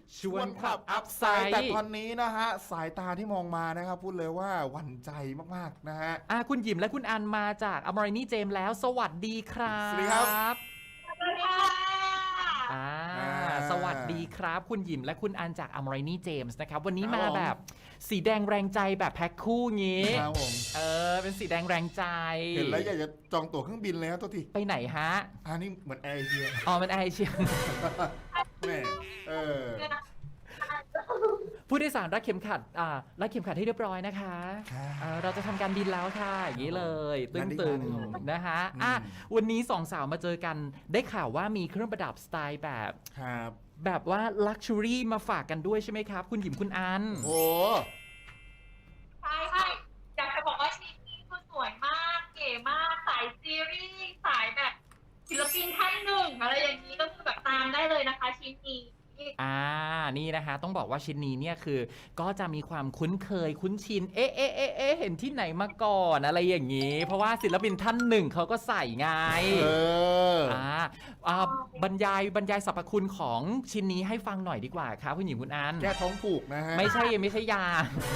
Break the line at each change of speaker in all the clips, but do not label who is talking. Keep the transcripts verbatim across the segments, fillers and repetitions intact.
ชวนขับอัพไซด์แต่ตอนนี้นะฮะสายตาที่มองมานะครับพูดเลยว่าหวั่นใจมากๆนะฮะ
อ่ะคุณหยิมและคุณอันมาจากอมรินีเจมแล้วสวัสดีครับ
สวัสดีครับ
สวัสดีค่ะ
อ่าสวัสดีครับคุณหยิมและคุณอันจากอมรินีเจมส์นะครับวันนี้มาแบบสีแดงแรงใจแบบแพ็คคู่งี้
ครับผม
เออเป็นสีแดงแรงใจ
เห็นแล้วอยากจะจองตั๋วเครื่องบินเลยครับตัวที
ไปไหนฮะ
อันนี้เหมือนแอร์เอเชีย
อ๋อเป็นแอร์เอเชีย
แม่เออ
ผู้โดยสารรัดเข็มขัดอ่ารัดเข็มขัดให้เรียบร้อยนะคะเราจะทำการบินแล้วค่ะอย่างนี้เลยตึงๆนะฮะอ่ะวันนี้สองสาวมาเจอกันได้ข่าวว่ามีเครื่องประดับสไตล์แบบ
ครับ
แบบว่าลักชัวรี่มาฝากกันด้วยใช่ไหมครับคุณหยิมคุณอัน
โอ้
ใช่ใช่อยากจะบอกว่าชิ้นนี้คือสวยมากเก๋มากสายซีรีส์สายแบบศิลปินท่านหนึ่งอะไรอย่างนี้ก็คือแบบตามได้เลยนะคะชิ้นนี้
อ่านี่นะคะต้องบอกว่าชิ้นนี้เนี่ยคือก็จะมีความคุ้นเคยคุ้นชินเอ๊ะเอ๊ะเอ๊ะเอ๊ะเห็นที่ไหนมาก่อนอะไรอย่างนี้เพราะว่าศิลปินท่านหนึ่งเขาก็ใส่ไง
เออ
อ่าอ่าบรรยายบรรยายสรรพคุณของชิ้นนี้ให้ฟังหน่อยดีกว่าครับคุณหญิงคุณอัน
แก้ท้องผูกนะฮะ
ไม่ใช่ไม่ใช่ยา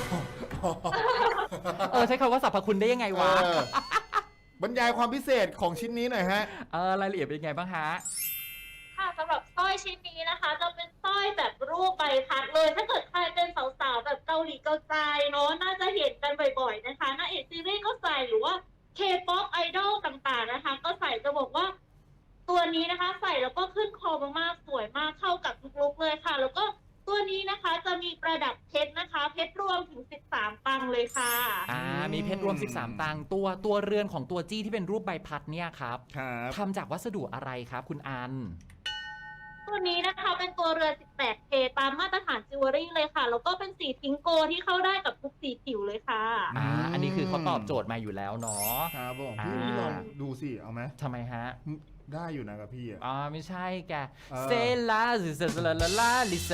เออใช้คำว่าสรรพคุณได้ยังไงวะ
บรรยายความพิเศษของชิ้นนี้หน่อยฮะ
เออรายละเอียดเป็นยังไงบ้างฮะ
ค่ะสำหรับสร้อยชิ้นนี้นะคะจะเป็นสร้อยแบบรูปใบพัดเลยถ้าเกิดใครเป็นสาวๆแบบเกาหลีเกาใจเนาะน่าจะเห็นกันบ่อยๆนะคะนางเอกซีรีส์ก็ใส่หรือว่า K-pop ไอดอลต่างๆนะคะก็ใส่จะบอกว่าตัวนี้นะคะใส่แล้วก็ขึ้นคอมากๆสวยมากเข้ากับทุกลุคเลยค่ะแล้วก็ตัวนี้นะคะจะมีประดับเพชรนะคะเพชรรวมถึงสิบสามตังเลยค่ะ
อ่ามีเพชรรวมสิบสามตังตัวตัวเรือนของตัวจี้ที่เป็นรูปใบพัดเนี่ยครับทำจากวัสดุอะไรครับคุณอัน
ตัวนี้นะคะเป็นตัวเรือน สิบแปดเค ตามมาตรฐานจิวเวลรี่เลยค่ะแล้วก็เป็นสีพิงโกที่เข้าได้กับทุกสีผิวเลยค่ะ
อ่าอันนี้คือเขาตอบโจทย์มาอยู่แล้วเนาะ
ครับผมพี่ลองดูสิเอาไหม
ทำไมฮะ
ได้อยู่นะกับพี่อ่ะ
อ๋อไม่ใช่แกเซลาซิเซลาลาลาลิเซ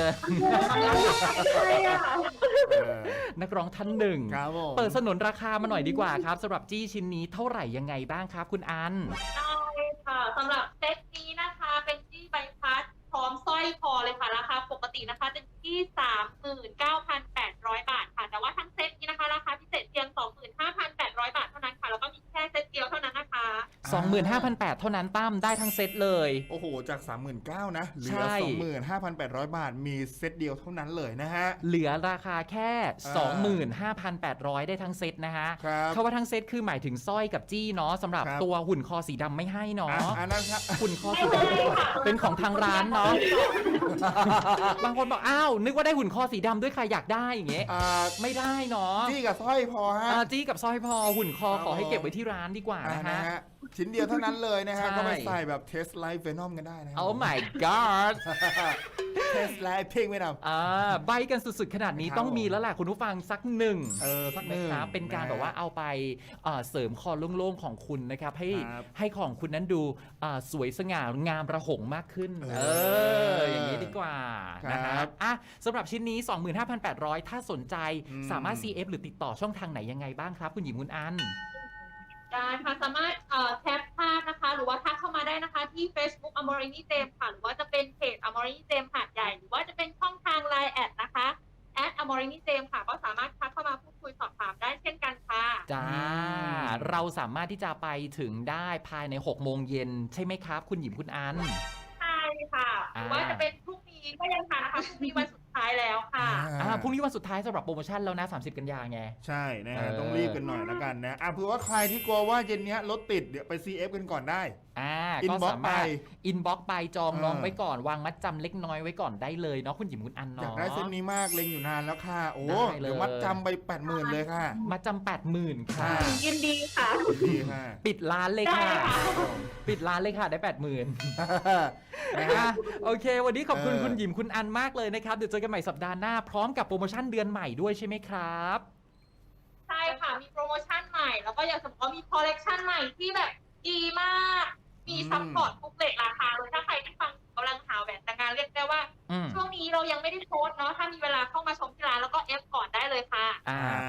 นักร้องท่านหนึ่งเปิดสนนราคามาหน่อยดีกว่าครับสำหรับจี้ชิ้นนี้เท่าไหร่ยังไงบ้างครับคุณอัน
ได้ค่ะสำหรับเซตนี้นะคะเป็นจี้ใบพัดพร้อมสร้อยคอเลยค่ะราคาปกตินะคะจะที่ สามหมื่นเก้าพันแปดร้อย บาทค่ะแต่ว่าทั้งเซตนี้นะคะราคาพิเศษเพียง สองหมื่นห้าพันแปดร้อย บาทเท่านั้นค่ะแล้วก็มีแค่เซตเดียวเท่านั้นนะคะ
สองหมื่นห้าพันแปดร้อย เท่านั้นตั้มได้ทั้งเซตเลย
โอ้โหจาก สามหมื่นเก้าพัน นะเหลือ สองหมื่นห้าพันแปดร้อย บาทมีเซตเดียวเท่านั้นเลยนะฮะ
เหลือราคาแค่ สองหมื่นห้าพันแปดร้อย ได้ทั้งเซตนะฮะเขาว่าทั้งเซตคือหมายถึงสร้อยกับจี้เนาะสำหรับตัวหุ่นคอสีดำไม่ให้เนาะ
อันนั้นครับ
หุ่นคอสีดำเป็นของทางร้านเนาะบางคนบอกอ้าวนึกว่าได้หุ่นคอสีดำด้วยใครอยากได้อย่างเงี้ยไม่ได้เนาะ
จี้กับสร้อยพอฮะ
จี้กับสร้อยพอหุ่นคอขอให้เก็บไว้ที่ร้านดีกว่านะฮะ
ชิ้นเดียวเท่านั้นเลยนะฮะก็ไปใส่แบบเทสไลฟ์เวนอมกันได้นะ
Oh my god
เทสไลฟ์เพ่งไม่นำ
อ่าใบกันสุดๆขนาดนี้ต้องมีแล้วแหละคุณผู้ฟังสักหนึ่ง
เออสักหนึ่ง
เป็นการแบบว่าเอาไปเสริมคอโล่งๆของคุณนะครับให้ให้ของคุณนั้นดูสวยสง่างามระหงมากขึ้นเอออย่างนี้ดีกว่านะครับอ่ะสำหรับชิ้นนี้ สองหมื่นห้าพันแปดร้อย ถ้าสนใจสามารถ ซี เอฟ หรือติดต่อช่องทางไหนยังไงบ้างครับคุณหญิงคุณอัน
ได้ค่ะสามารถแคปภาพนะคะหรือว่าทักเข้ามาได้นะคะที่ Facebook Amorini James ค่ะหรือว่าจะเป็นเพจ Amorini James หาดใหญ่หรือว่าจะเป็นช่องทาง ไลน์ แอดนะคะแอด Amorini James ค่ะก็สามารถทักเข้ามาพูดคุยสอบถามได้เช่นกันค่ะ
จ้าเราสามารถที่จะไปถึงได้ภายในหกโมงเย็นใช่ไหมครับคุณหญิงคุณอัน
ใช่ค่ะหรือว่าจะเป็นพรุ่งนี้ก็ยังทันนะคะพรุ่งนี้วันสุดท้ายแล้วค่ะ
อ่าพรุ่งนี้วันสุดท้ายสำหรับโปรโมชั่นแล้วนะสามสิบกันยาไง
ใช่นะฮะต้องรีบกันหน่อยแล้วกันนะอ่ะเผื่อว่าใครที่กลัวว่าเย็นนี้รถติดเดี๋ยวไป ซี เอฟ กันก่อนได้
อ่าก็สามารถอินบ็อกซ์ไปจองน้องไว้ก่อนวางมัดจำเล็กน้อยไว้ก่อนได้เลยเนาะคุณหญิงคุณอันเนาะ
อยากได้เส้นนี้มากเล็งอยู่นานแล้วค่ะโอ้เดี๋ยวมัดจำไป แปดหมื่น เลยค่ะ
มัดจำ แปดหมื่น ค่ะ
ยินดีค่ะ
ดีค่ะ
ปิดร้านเลยค่ะปิดร้านเลยค่ะได้ แปดหมื่น นะฮะโอเควันนี้ขอบคุณคุณหญิงคุณอันมากเลยนะครับเดี๋ยวเจอกันใหม่สัปดาห์หน้าพร้อมกับโปรโมชั่นเดือนใหม่ด้วยใช่ไหมครับ
ใช่ค่ะมีโปรโมชั่นใหม่แล้วก็อยากจะบอกว่ามีคอลเลกชันใหม่ที่แบบดีมากมีซัพพอร์ตทุกเลทราคาเลยถ้าใครที่ฟังกำลังหาแหวนแต่งงานเรียกได้ว่าช่วงนี้เรายังไม่ได้โพสเนาะถ้ามีเวลาเข้ามาชมที่ร้านแล้วก็เอฟก่อนได้เลยค่ะ
อ่าเพราะว่าช่วง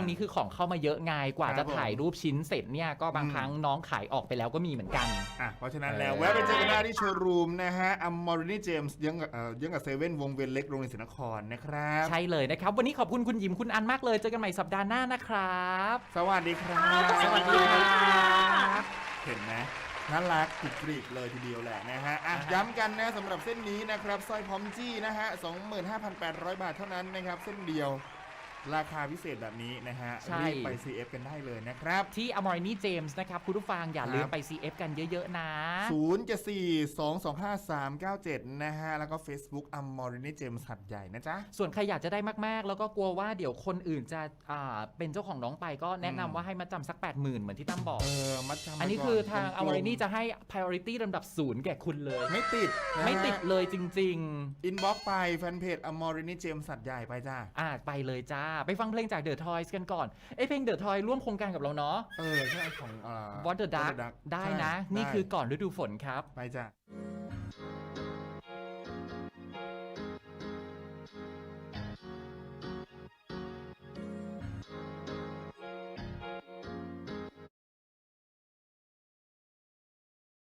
วงนี้คือของเข้ามาเยอะไงกว่า
ครั
จะ
บผม
ถ่ายรูปชิ้นเสร็จเนี่ยก็บาง
อืม
ครั้งน้องขายออกไปแล้วก็มีเหมือนกัน
อ่ะเพราะฉะนั้นแล้ว
เออ
แวะไปเจอกันได้ที่โชว์รูมนะฮะอัมมอรินีเจมส์ยังกับเอ่อยังกับเซเว่นวงเวียนเล็กโรงเรียนศรีนครนะครับ
ใช่เลยนะครับ วันนี้ขอบคุณคุณหยิมคุณอันมากเลยเจอกันใหม่สัปดาห์หน้านะครับ
สวัสดีครับ
สวัสดีค่ะ
เห็นไหมน่ารักกรุบกริบเลยทีเดียวแหละนะฮะอ่ะ
อ่าฮะ
ย้ำกันนะสำหรับเส้นนี้นะครับสร้อยพร้อมจี้นะฮะ สองหมื่นห้าพันแปดร้อย บาทเท่านั้นนะครับ เส้นเดียวราคาพิเศษแบบนี้นะฮะ
ใช่
รีบไป ซี เอฟ กันได้เลยนะครับ
ที่ Amorini James นะครับคุณผู้ฟังอย่าลืม
ครับ
ไป ซี เอฟ กันเยอะๆนะ
ศูนย์ เจ็ด สี่ สอง สอง ห้า สาม เก้า เจ็ด นะฮะ แล้วก็ Facebook อัมมอรินีเจมส์หัดใหญ่นะจ๊ะ
ส่วนใครอยากจะได้มากๆ แล้วก็กลัวว่าเดี๋ยวคนอื่นจะอ่าเป็นเจ้าของน้องไปก็แนะนำว่าให้มาจำสัก แปดหมื่น เหมือนที่ตั้มบอก
เออมัดจำ
อันนี้
ไปก่
คือทาง
กลมๆ
Amorini จะให้ priority ลำดับศูนย์แก่คุณเลย
ไม่ติดนะฮะ
ไม่ติดเลยจริง
อินบ็อกซ์ไปแฟนเพจอัมมอรินีเจมส์หัดใหญ่ไปจ้า
ๆ อ่าไปเลยจ้า ไปฟังเพลงจาก The Toys กันก่อนเอ้ยเพลง The Toy ร่วมโครงการกับเราเนาะ
เออใช่ของเอ่อ
What the Duck
What the Duck
ได้
ใช่
นะ นี่
ได้
คือก่อนฤดูฝนครับ
ไปจ้ะ